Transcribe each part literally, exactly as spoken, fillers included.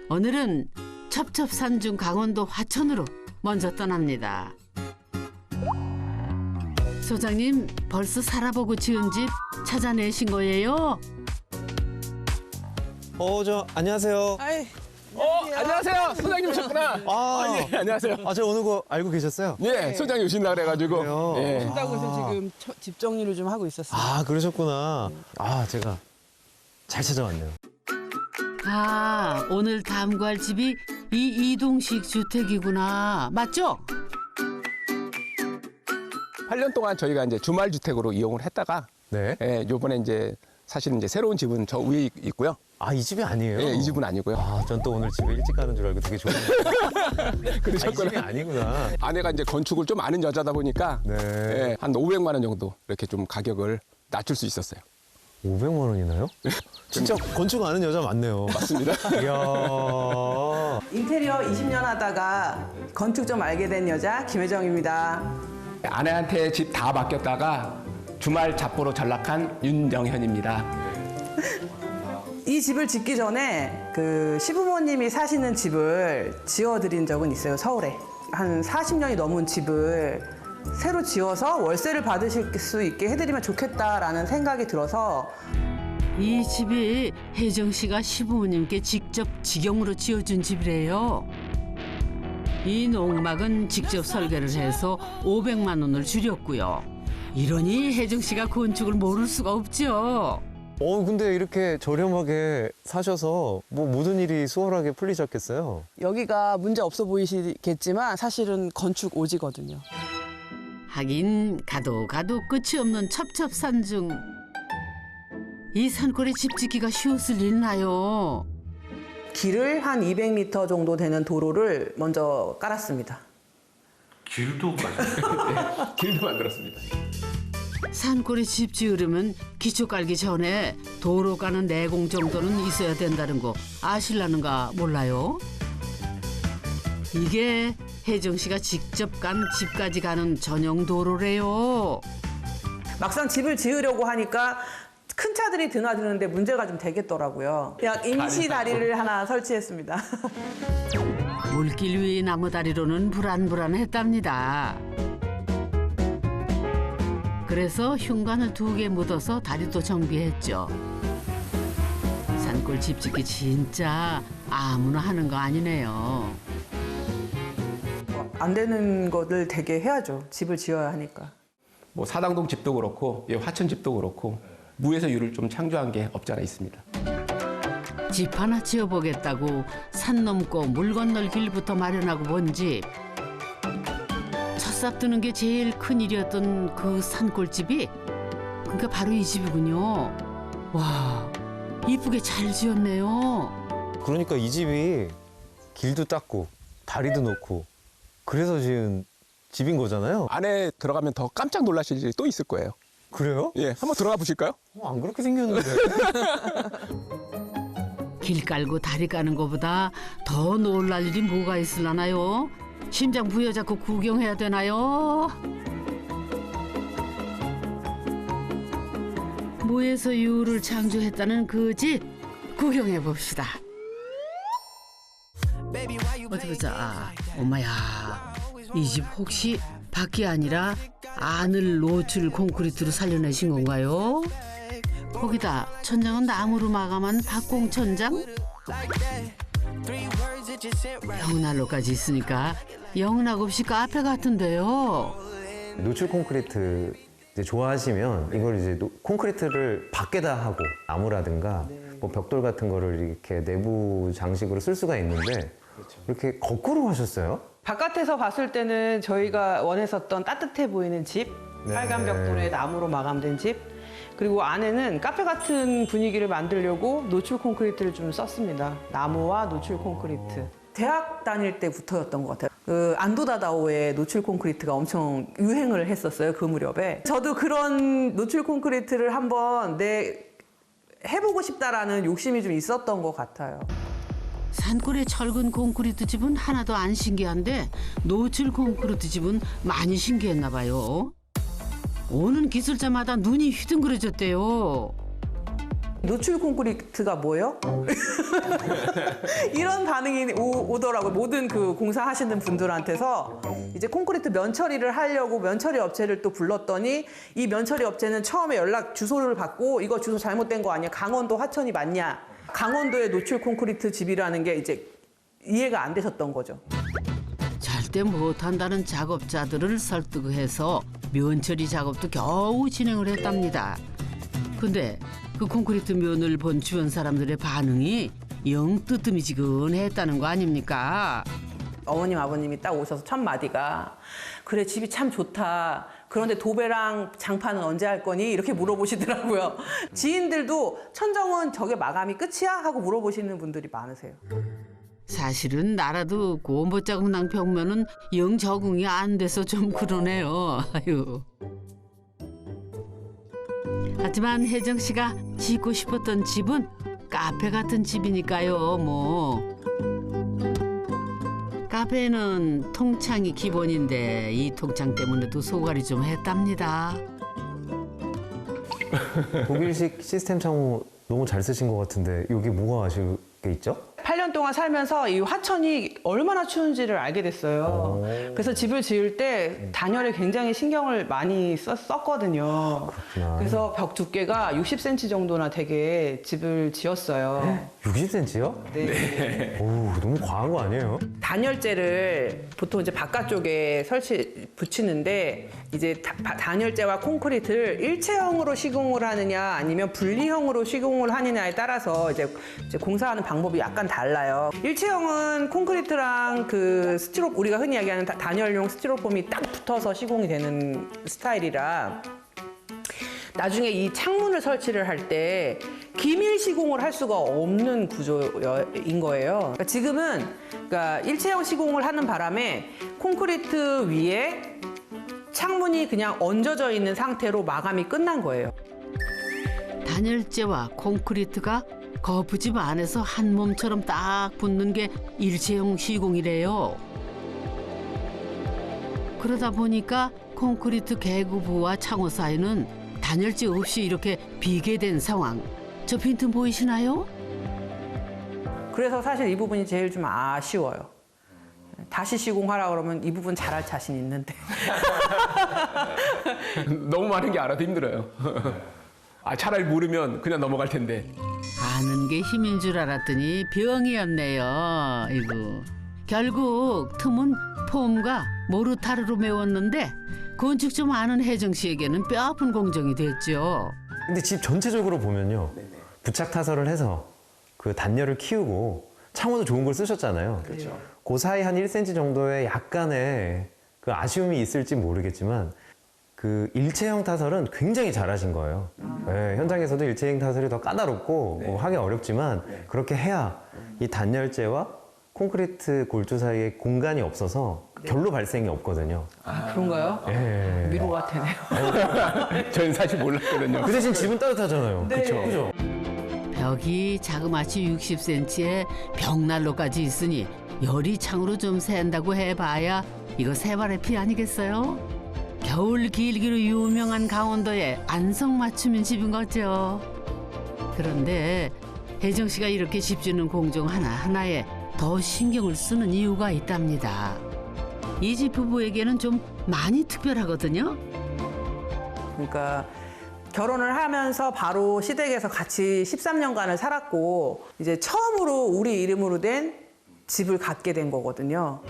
오늘은 첩첩산중 강원도 화천으로 먼저 떠납니다. 소장님, 벌써 살아보고 지은 집 찾아내신 거예요? 어, 저 안녕하세요. 아이, 어, 안녕하세요. 소장님 오셨구나. 아, 아, 예, 안녕하세요. 아, 저 오는 거 알고 계셨어요? 예, 소장님 오신다 그래가지고. 그래요? 예. 한다고 해서 지금 처- 집 정리를 좀 하고 있었어요. 아, 그러셨구나. 아, 제가 잘 찾아왔네요. 아, 오늘 탐구할 집이 이 이동식 주택이구나. 맞죠? 팔 년 동안 저희가 이제 주말 주택으로 이용을 했다가, 네. 예, 요번에 이제 사실은 이제 새로운 집은 저 위에 있- 있고요. 아, 이 집이 아니에요? 예, 이 집은 아니고요. 아, 전 또 오늘 집에 일찍 가는 줄 알고 되게 좋은데. 아, 이 집이 그러셨구나. 아니구나. 아내가 이제 건축을 좀 아는 여자다 보니까, 네. 예, 한 오백만 원 정도 이렇게 좀 가격을 낮출 수 있었어요. 오백만 원이나요? 진짜 건축 아는 여자 많네요. 맞습니다. 이야. 인테리어 이십 년 하다가 건축 좀 알게 된 여자 김혜정입니다. 아내한테 집 다 맡겼다가 주말 잡보로 전락한 윤정현입니다. 이 집을 짓기 전에 그 시부모님이 사시는 집을 지어드린 적은 있어요, 서울에. 한 사십 년이 넘은 집을 새로 지어서 월세를 받으실 수 있게 해드리면 좋겠다라는 생각이 들어서 이 집이 혜정 씨가 시부모님께 직접 직영으로 지어준 집이래요. 이 농막은 직접 설계를 해서 오백만 원을 줄였고요. 이러니 혜정 씨가 건축을 모를 수가 없죠. 어, 근데 이렇게 저렴하게 사셔서 뭐 모든 일이 수월하게 풀리셨겠어요? 여기가 문제 없어 보이시겠지만 사실은 건축 오지거든요. 하긴 가도 가도 끝이 없는 첩첩산중. 이 산골에 집 짓기가 쉬웠을 일나요? 길을 한 이백 미터 정도 되는 도로를 먼저 깔았습니다. 길도 맞아요. 길도 만들었습니다. 산골에 집 지으려면 기초 깔기 전에 도로 가는 내공 정도는 있어야 된다는 거 아실라는가 몰라요? 이게 혜정 씨가 직접 간 집까지 가는 전용 도로래요. 막상 집을 지으려고 하니까 큰 차들이 드나드는데 문제가 좀 되겠더라고요. 그냥 임시 다리를 하나 설치했습니다. 물길 위 나무 다리로는 불안불안했답니다. 그래서 흉관을 두 개 묻어서 다리도 정비했죠. 산골 집 짓기 진짜 아무나 하는 거 아니네요. 안 되는 것을 되게 해야죠. 집을 지어야 하니까. 뭐 사당동 집도 그렇고, 예, 화천 집도 그렇고, 무에서 유를 좀 창조한 게 없지 않아 있습니다. 집 하나 지어보겠다고 산 넘고 물 건널 길부터 마련하고 본 집. 첫삽 드는 게 제일 큰 일이었던 그 산골집이 그러니까 바로 이 집이군요. 와, 이쁘게 잘 지었네요. 그러니까 이 집이 길도 닦고 다리도 놓고 그래서 지은 집인 거잖아요. 안에 들어가면 더 깜짝 놀라실 일이 또 있을 거예요. 그래요? 예, 한번 들어가 보실까요? 어, 안 그렇게 생겼는데. 길 깔고 다리 까는 것보다 더 놀랄 일이 뭐가 있을라나요? 심장 부여잡고 구경해야 되나요? 무에서 유를 창조했다는 그 집 구경해 봅시다. 어디 보자. 아, 엄마야, 이 집 혹시 밖이 아니라 안을 노출 콘크리트로 살려내신 건가요? 거기다 천장은 나무로 마감한 박공 천장? 영난로까지 있으니까 영락 없이 카페 같은데요. 노출 콘크리트 이제 좋아하시면 이걸 이제 노- 콘크리트를 밖에다 하고 나무라든가 뭐 벽돌 같은 거를 이렇게 내부 장식으로 쓸 수가 있는데 이렇게 거꾸로 하셨어요? 바깥에서 봤을 때는 저희가 원했었던 따뜻해 보이는 집, 네. 빨간 벽돌에 나무로 마감된 집, 그리고 안에는 카페 같은 분위기를 만들려고 노출 콘크리트를 좀 썼습니다. 나무와 노출 콘크리트. 대학 다닐 때부터였던 것 같아요. 그 안도다다오의 노출 콘크리트가 엄청 유행을 했었어요, 그 무렵에. 저도 그런 노출 콘크리트를 한번 내 해보고 싶다라는 욕심이 좀 있었던 것 같아요. 산골의 철근 콘크리트 집은 하나도 안 신기한데 노출 콘크리트 집은 많이 신기했나 봐요. 오는 기술자마다 눈이 휘둥그레졌대요. 노출 콘크리트가 뭐예요? 이런 반응이 오, 오더라고요. 모든 그 공사하시는 분들한테서 이제 콘크리트 면처리를 하려고 면처리 업체를 또 불렀더니 이 면처리 업체는 처음에 연락 주소를 받고 이거 주소 잘못된 거 아니야? 강원도 화천이 맞냐? 강원도의 노출 콘크리트 집이라는 게 이제 이해가 안 되셨던 거죠. 절대 못한다는 작업자들을 설득해서 면처리 작업도 겨우 진행을 했답니다. 근데 그 콘크리트 면을 본 주변 사람들의 반응이 영 뜨뜨미지근했다는 거 아닙니까? 어머님 아버님이 딱 오셔서 첫 마디가 그래 집이 참 좋다. 그런데 도배랑 장판은 언제 할 거니? 이렇게 물어보시더라고요. 지인들도 천정은 저게 마감이 끝이야? 하고 물어보시는 분들이 많으세요. 사실은 나라도 고무자국난 벽면은 영 적응이 안 돼서 좀 그러네요. 아유. 하지만 혜정 씨가 짓고 싶었던 집은 카페 같은 집이니까요. 뭐 카페는 통창이 기본인데 이 통창 때문에도 소갈이 좀 했답니다. 독일식 시스템 창호 너무 잘 쓰신 것 같은데 여기 뭐가 아쉬운 게 있죠? 팔 년 동안 살면서 이 화천이 얼마나 추운지를 알게 됐어요. 오. 그래서 집을 지을 때 단열에 굉장히 신경을 많이 썼, 썼거든요. 그렇구나. 그래서 벽 두께가 육십 센티미터 정도나 되게 집을 지었어요. 육십 센티미터요? 네. 오, 너무 과한 거 아니에요? 단열재를 보통 이제 바깥쪽에 설치 붙이는데 이제 다- 바- 단열재와 콘크리트를 일체형으로 시공을 하느냐 아니면 분리형으로 시공을 하느냐에 따라서 이제, 이제 공사하는 방법이 약간 달라요. 일체형은 콘크리트랑 그 스티로 우리가 흔히 이야기하는 다- 단열용 스티로폼이 딱 붙어서 시공이 되는 스타일이라 나중에 이 창문을 설치를 할 때 기밀 시공을 할 수가 없는 구조인 거예요. 그러니까 지금은 그러니까 일체형 시공을 하는 바람에 콘크리트 위에 창문이 그냥 얹어져 있는 상태로 마감이 끝난 거예요. 단열재와 콘크리트가 거푸집 안에서 한 몸처럼 딱 붙는 게 일체형 시공이래요. 그러다 보니까 콘크리트 개구부와 창호 사이는 단열재 없이 이렇게 비게 된 상황. 저 빈틈 보이시나요? 그래서 사실 이 부분이 제일 좀 아쉬워요. 다시 시공하라 그러면 이 부분 잘할 자신 있는데. 너무 많은 게 알아도 힘들어요. 아, 차라리 모르면 그냥 넘어갈 텐데. 아는 게 힘인 줄 알았더니 병이었네요. 이거. 결국 틈은 폼과 모르타르로 메웠는데 건축 좀 아는 혜정 씨에게는 뼈아픈 공정이 됐죠. 근데 집 전체적으로 보면요. 부착 타설을 해서 그 단열을 키우고 창호도 좋은 걸 쓰셨잖아요. 그렇죠. 그 사이 한 일 센티미터 정도의 약간의 그 아쉬움이 있을지 모르겠지만 그 일체형 타설은 굉장히 잘하신 거예요. 네, 현장에서도 일체형 타설이 더 까다롭고 뭐 하기 어렵지만 그렇게 해야 이 단열재와 콘크리트 골조 사이에 공간이 없어서 결로 발생이 없거든요. 아, 그런가요? 예. 위로가 되네요. 저는 사실 몰랐거든요. 그 대신 집은 따뜻하잖아요. 네. 그렇죠. 그죠? 벽이 자그마치 육십 센티미터에 벽난로까지 있으니 열이 창으로 좀 샌다고 해봐야 이거 세발의 피 아니겠어요? 겨울 길기로 유명한 강원도의 안성맞춤인 집인 거죠. 그런데 혜정 씨가 이렇게 집 짓는 공정 하나하나에 더 신경을 쓰는 이유가 있답니다. 이 집 부부에게는 좀 많이 특별하거든요. 그러니까 결혼을 하면서 바로 시댁에서 같이 십삼 년간을 살았고 이제 처음으로 우리 이름으로 된 집을 갖게 된 거거든요.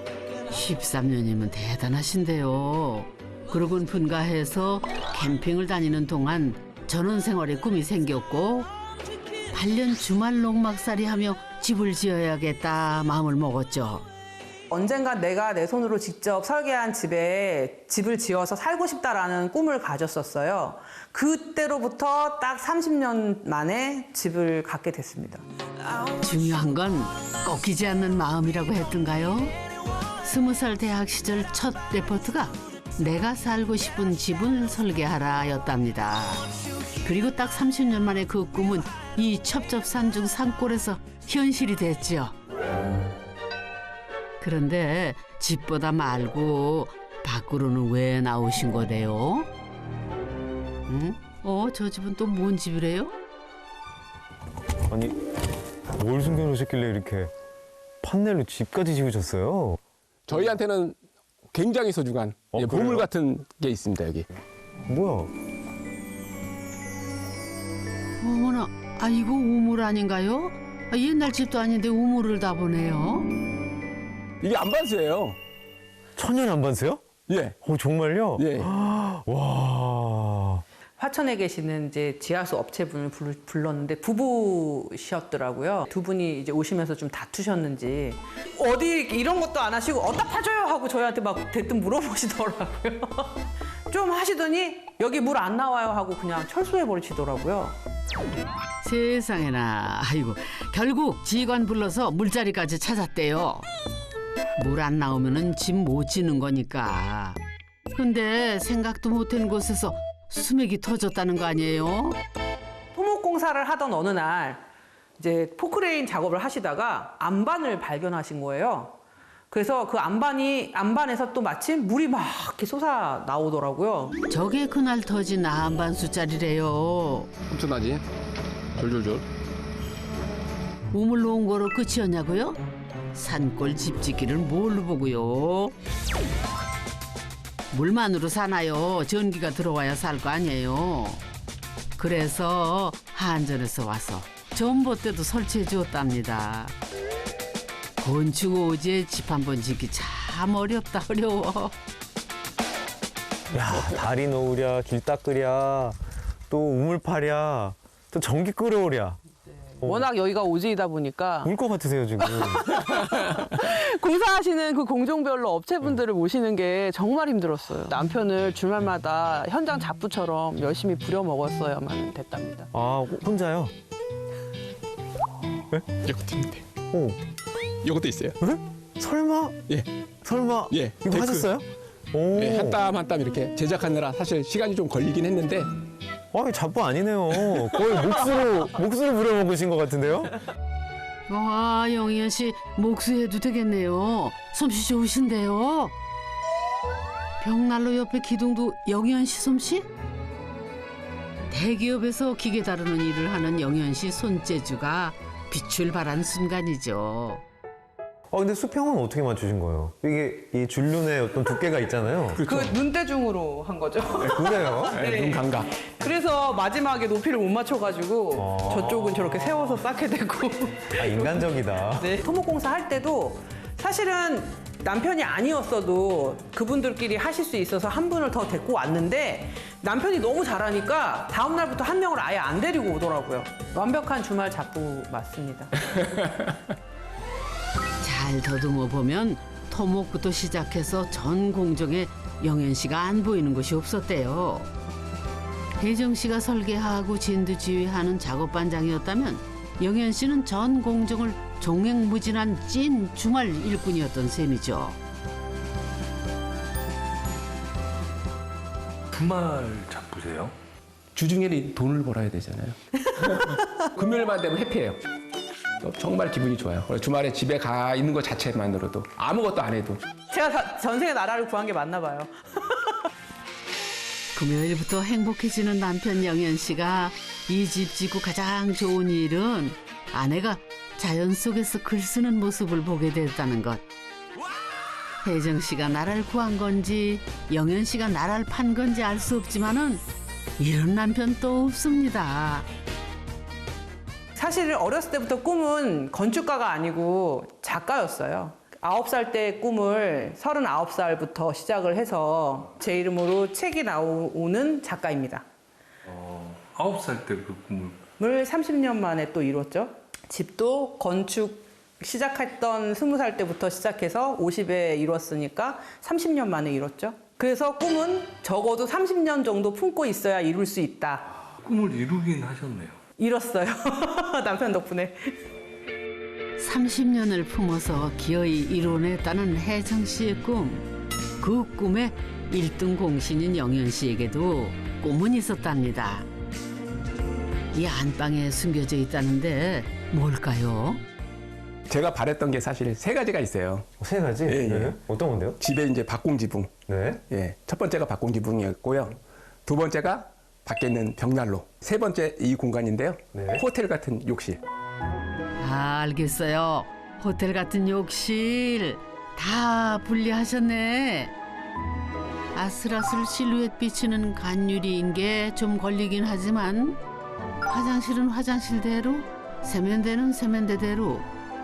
십삼 년이면 대단하신데요. 그러곤 분가해서 캠핑을 다니는 동안 전원 생활의 꿈이 생겼고 팔 년 주말 농막살이 하며 집을 지어야겠다 마음을 먹었죠. 언젠가 내가 내 손으로 직접 설계한 집에 집을 지어서 살고 싶다라는 꿈을 가졌었어요. 그때로부터 딱 삼십 년 만에 집을 갖게 됐습니다. 중요한 건 꺾이지 않는 마음이라고 했던가요? 스무 살 대학 시절 첫 레포트가 내가 살고 싶은 집을 설계하라였답니다. 그리고 딱 삼십 년 만에 그 꿈은 이 첩첩산중 산골에서 현실이 됐죠. 그런데 집보다 말고 밖으로는 왜 나오신 거대요? 응? 어, 저 집은 또 뭔 집이래요? 아니, 뭘 숨겨놓으셨길래 이렇게 판넬로 집까지 지으셨어요? 저희한테는 굉장히 소중한 어, 예, 보물 그래요? 같은 게 있습니다, 여기. 뭐야? 어머나, 아 이거 우물 아닌가요? 아, 옛날 집도 아닌데 우물을 다 보네요. 이게 안반수예요. 천연 안반수요? 예. 어, 정말요? 예. 와. 화천에 계시는 이제 지하수 업체분을 불- 불렀는데 부부셨더라고요. 두 분이 이제 오시면서 좀 다투셨는지 어디 이런 것도 안 하시고 어디다 파줘요 하고 저희한테 막 대뜸 물어보시더라고요. 좀 하시더니 여기 물 안 나와요 하고 그냥 철수해 버리시더라고요. 세상에나, 아이고 결국 직원 불러서 물자리까지 찾았대요. 물 안 나오면은 집 못 지는 거니까. 근데 생각도 못한 곳에서 수맥이 터졌다는 거 아니에요? 토목공사를 하던 어느 날 이제 포크레인 작업을 하시다가 안반을 발견하신 거예요. 그래서 그 안반이 안반에서 또 마침 물이 막 이렇게 솟아 나오더라고요. 저게 그날 터진 안반수짜리래요. 엄청나지? 졸졸졸. 우물로 온 거로 끝이었냐고요? 산골 집 짓기를 뭘로 보고요? 물만으로 사나요? 전기가 들어와야 살 거 아니에요. 그래서 한전에서 와서 전봇대도 설치해 주었답니다. 건축 오지에 집 한 번 짓기 참 어렵다 어려워. 야, 다리 놓으랴, 길 닦으랴, 또 우물 파랴, 또 전기 끓여오랴. 워낙 여기가 오지이다 보니까 울 것 같으세요, 지금. 공사하시는 그 공종별로 업체분들을 모시는 게 정말 힘들었어요. 남편을 주말마다 현장 잡부처럼 열심히 부려먹었어야만 됐답니다. 아, 혼자요? 이것도 있는데. 오, 이것도 있어요. 설마? 예. 설마? 예, 이거 데크. 하셨어요? 오. 예, 한 땀 한 땀 이렇게 제작하느라 사실 시간이 좀 걸리긴 했는데 아, 잡부 아니네요. 거의 몫으로, 몫으로 부려먹으신 것 같은데요? 와, 영희연 씨 목수해도 되겠네요. 솜씨 좋으신데요. 벽난로 옆에 기둥도 영희연 씨 솜씨? 대기업에서 기계 다루는 일을 하는 영희연 씨 손재주가 빛을 발한 순간이죠. 아, 근데 수평은 어떻게 맞추신 거예요? 이게 이 줄눈의 어떤 두께가 있잖아요. 그 눈대중으로 한 거죠. 그래요? 네, 눈 감각. 그래서 마지막에 높이를 못 맞춰가지고 아. 저쪽은 저렇게 세워서 쌓게 되고. 아, 인간적이다. 네. 토목공사 할 때도 사실은 남편이 아니었어도 그분들끼리 하실 수 있어서 한 분을 더 데리고 왔는데 남편이 너무 잘하니까 다음 날부터 한 명을 아예 안 데리고 오더라고요. 완벽한 주말 잡부 맞습니다. 잘 더듬어 보면 토목부터 시작해서 전 공정에 영현 씨가 안 보이는 곳이 없었대요. 혜정 씨가 설계하고 진두지휘하는 작업반장이었다면 영현 씨는 전 공정을 종횡무진한 찐 주말 일꾼이었던 셈이죠. 주말 잡부세요? 주중에는 돈을 벌어야 되잖아요. 금요일만 되면 해피해요. 정말 기분이 좋아요. 주말에 집에 가 있는 것 자체만으로도 아무것도 안 해도. 제가 다- 전생에 나라를 구한 게 맞나 봐요. 금요일부터 행복해지는 남편 영현 씨가 이 집 짓고 가장 좋은 일은 아내가 자연 속에서 글 쓰는 모습을 보게 됐다는 것. 혜정 씨가 나라를 구한 건지 영현 씨가 나라를 판 건지 알 수 없지만은 이런 남편 또 없습니다. 사실 어렸을 때부터 꿈은 건축가가 아니고 작가였어요. 아홉 살 때 꿈을 서른아홉 살부터 시작을 해서 제 이름으로 책이 나오는 작가입니다. 어, 아홉 살 때 그 꿈을 을 삼십 년 만에 또 이뤘죠. 집도 건축 시작했던 스무 살 때부터 시작해서 오십에 이뤘으니까 삼십 년 만에 이뤘죠. 그래서 꿈은 적어도 삼십 년 정도 품고 있어야 이룰 수 있다. 꿈을 이루긴 하셨네요. 이뤘어요. 남편 덕분에. 삼십 년을 품어서 기어이 이뤄냈다는 혜정 씨의 꿈. 그 꿈에 일 등 공신인 영현 씨에게도 꿈은 있었답니다. 이 안방에 숨겨져 있다는데 뭘까요? 제가 바랬던 게 사실 세 가지가 있어요. 세 가지? 예, 예. 네. 어떤 건데요? 집에 이제 박공지붕. 네. 예, 첫 번째가 박공지붕이었고요. 두 번째가 밖에 있는 벽난로. 세 번째 이 공간인데요. 네. 호텔 같은 욕실. 아, 알겠어요. 호텔 같은 욕실 다 분리하셨네. 아슬아슬 실루엣 비치는 간유리인 게 좀 걸리긴 하지만 화장실은 화장실대로, 세면대는 세면대대로.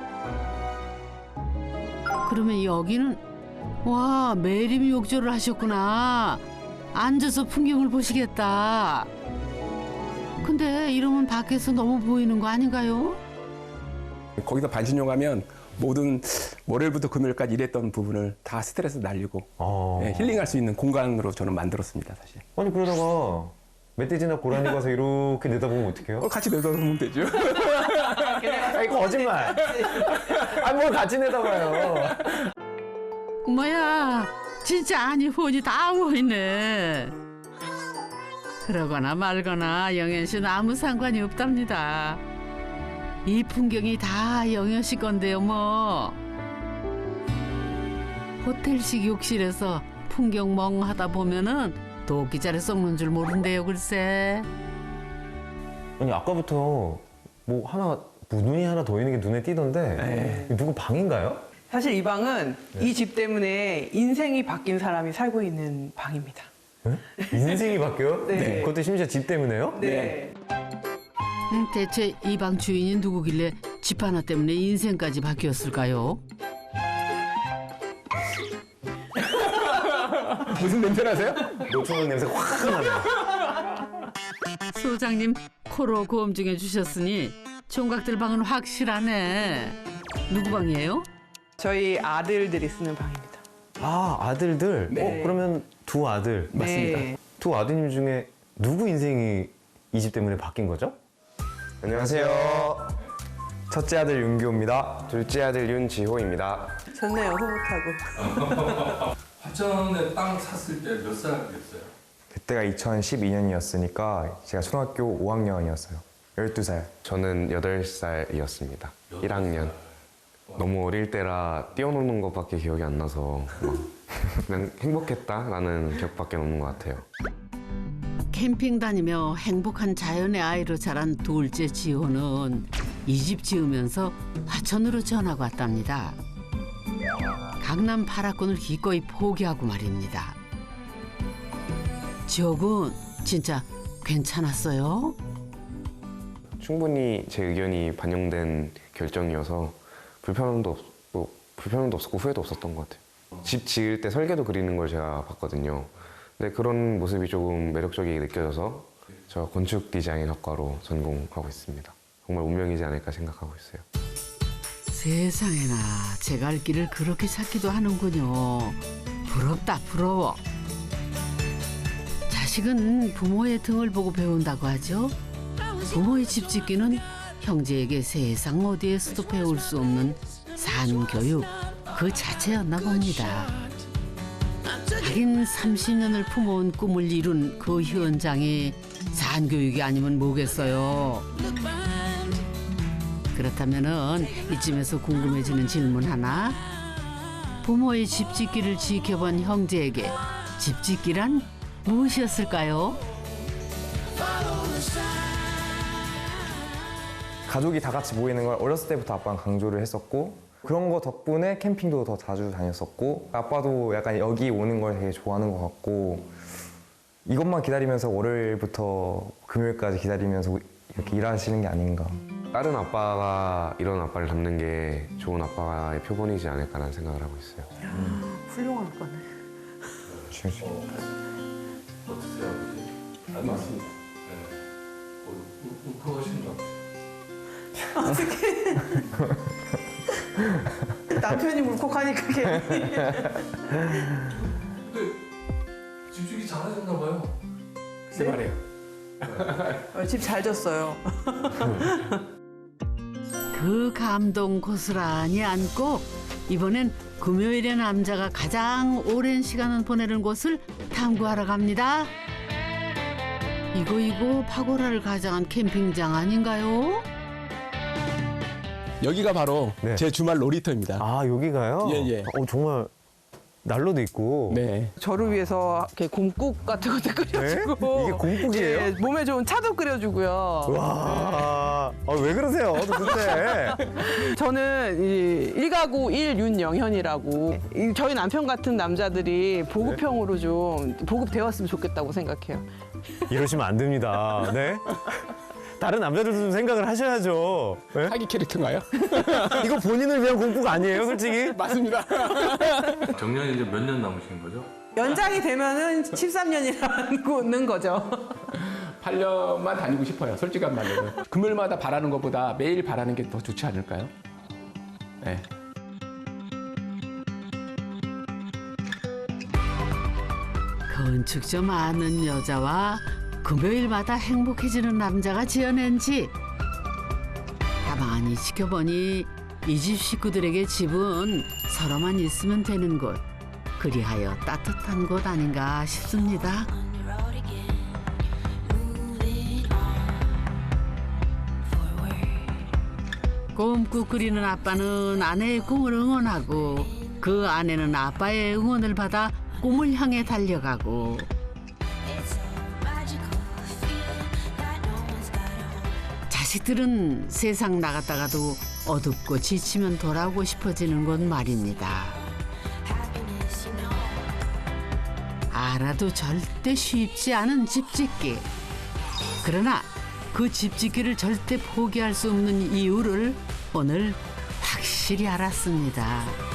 그러면 여기는 와, 매림 욕조를 하셨구나. 앉아서 풍경을 보시겠다. 근데 이러면 밖에서 너무 보이는 거 아닌가요? 거기서 반신욕하면 모든 월요일부터 금요일까지 일했던 부분을 다 스트레스 날리고 어. 네, 힐링할 수 있는 공간으로 저는 만들었습니다, 사실. 아니 그러다가 멧돼지나 고라니 가서 이렇게 내다보면 어떡해요? 어, 같이 내다보면 되죠. 아니 거짓말. 아니 뭘 같이 내다봐요. 뭐야, 진짜 아니 혼이 다 보이네. 그러거나 말거나 영현 씨는 아무 상관이 없답니다. 이 풍경이 다 영현 씨 건데요, 뭐. 호텔식 욕실에서 풍경 멍하다 보면은 도끼자루 썩는 줄 모른대요, 글쎄. 아니 아까부터 뭐 하나 문이 하나 더 있는 게 눈에 띄던데 이거 누구 방인가요? 사실 이 방은 이 집 때문에 인생이 바뀐 사람이 살고 있는 방입니다. 네? 인생이 바뀌어요? 네. 그것도 심지어 집 때문에요? 네. 음, 대체 이 방 주인이 누구길래 집 하나 때문에 인생까지 바뀌었을까요? 무슨 냄새 나세요? 노초는 냄새가 확 나네요. 소장님 코로 고음 중에 주셨으니 총각들 방은 확실하네. 누구 방이에요? 저희 아들들이 쓰는 방입니다. 아 아들들? 네. 어 그러면 두 아들 맞습니다. 네. 두 아드님 중에 누구 인생이 이 집 때문에 바뀐 거죠? 안녕하세요. 첫째 아들 윤규호입니다. 둘째 아들 윤지호입니다. 좋네요, 흐뭇하고. 화천에 땅 샀을 때 몇 살이었어요? 그때가 이천십이 년이었으니까 제가 초등학교 오 학년이었어요. 열두 살. 저는 여덟 살이었습니다. 일 학년. 너무 어릴 때라 뛰어노는 것밖에 기억이 안 나서 막 그냥 행복했다라는 기억밖에 없는 것 같아요. 캠핑 다니며 행복한 자연의 아이로 자란 둘째 지호는 이 집 지으면서 화천으로 전학 왔답니다. 강남 파라군을 기꺼이 포기하고 말입니다. 지호군 진짜 괜찮았어요? 충분히 제 의견이 반영된 결정이어서 불편함도 없고 불편함도 없었고 후회도 없었던 것 같아요. 집 지을 때 설계도 그리는 걸 제가 봤거든요. 근데 그런 모습이 조금 매력적이게 느껴져서 저 건축 디자인 학과로 전공하고 있습니다. 정말 운명이지 않을까 생각하고 있어요. 세상에나 제 갈 길을 그렇게 찾기도 하는군요. 부럽다 부러워. 자식은 부모의 등을 보고 배운다고 하죠. 부모의 집 짓기는 형제에게 세상 어디에서도 배울 수 없는 산교육 그 자체였나 봅니다. 하긴 삼십 년을 품어온 꿈을 이룬 그 현장이 산교육이 아니면 뭐겠어요. 그렇다면은 이쯤에서 궁금해지는 질문 하나. 부모의 집 짓기를 지켜본 형제에게 집 짓기란 무엇이었을까요? 가족이 다 같이 모이는 걸 어렸을 때부터 아빠는 강조를 했었고 그런 거 덕분에 캠핑도 더 자주 다녔었고 아빠도 약간 여기 오는 걸 되게 좋아하는 것 같고 이것만 기다리면서 월요일부터 금요일까지 기다리면서 이렇게 일하시는 게 아닌가. 다른 아빠가 이런 아빠를 닮는 게 좋은 아빠의 표본이지 않을까라는 생각을 하고 있어요. 훌륭한 거네. 진짜. 어떠세요, 아버지? 안 맞습니다. 네. 울컥하신다. 남편이 울컥하니까 괜히. 근데 집주기 잘하셨나 봐요. 글쎄 말이에요. 어, 집 잘 졌어요. 그 감동 고스란히 안고 이번엔 금요일에 남자가 가장 오랜 시간을 보내는 곳을 탐구하러 갑니다. 이거 이거 파고라를 가장한 캠핑장 아닌가요? 여기가 바로 네. 제 주말 놀이터입니다. 아 여기가요? 예, 예. 어 정말 난로도 있고. 네. 저를 위해서 이렇게 곰국 같은 것도 끓여주고. 네? 이게 곰국이에요? 네, 몸에 좋은 차도 끓여주고요. 와, 아, 왜 그러세요? 도대체. 저는 이 일가구 일윤영현이라고 이 저희 남편 같은 남자들이 보급형으로 좀 보급되었으면 좋겠다고 생각해요. 이러시면 안 됩니다. 네? 다른 남자들도 좀 생각을 하셔야죠. 네? 사기 캐릭터인가요? 이거 본인을 위한 공국 아니에요, 솔직히? 맞습니다. 정년이 이제 몇 년 남으신 거죠? 연장이 되면은 십삼 년이라는 거죠. 팔 년만 다니고 싶어요. 솔직한 말로. 금요일마다 바라는 것보다 매일 바라는 게 더 좋지 않을까요? 네. 건축 좀 아는 여자와 금요일마다 행복해지는 남자가 지어낸 집. 가만히 지켜보니 이 집 식구들에게 집은 서로만 있으면 되는 곳. 그리하여 따뜻한 곳 아닌가 싶습니다. 꿈꾸 끓이는 아빠는 아내의 꿈을 응원하고 그 아내는 아빠의 응원을 받아 꿈을 향해 달려가고 자식들은 세상 나갔다가도 어둡고 지치면 돌아오고 싶어지는 곳 말입니다. 알아도 절대 쉽지 않은 집짓기. 그러나 그 집짓기를 절대 포기할 수 없는 이유를 오늘 확실히 알았습니다.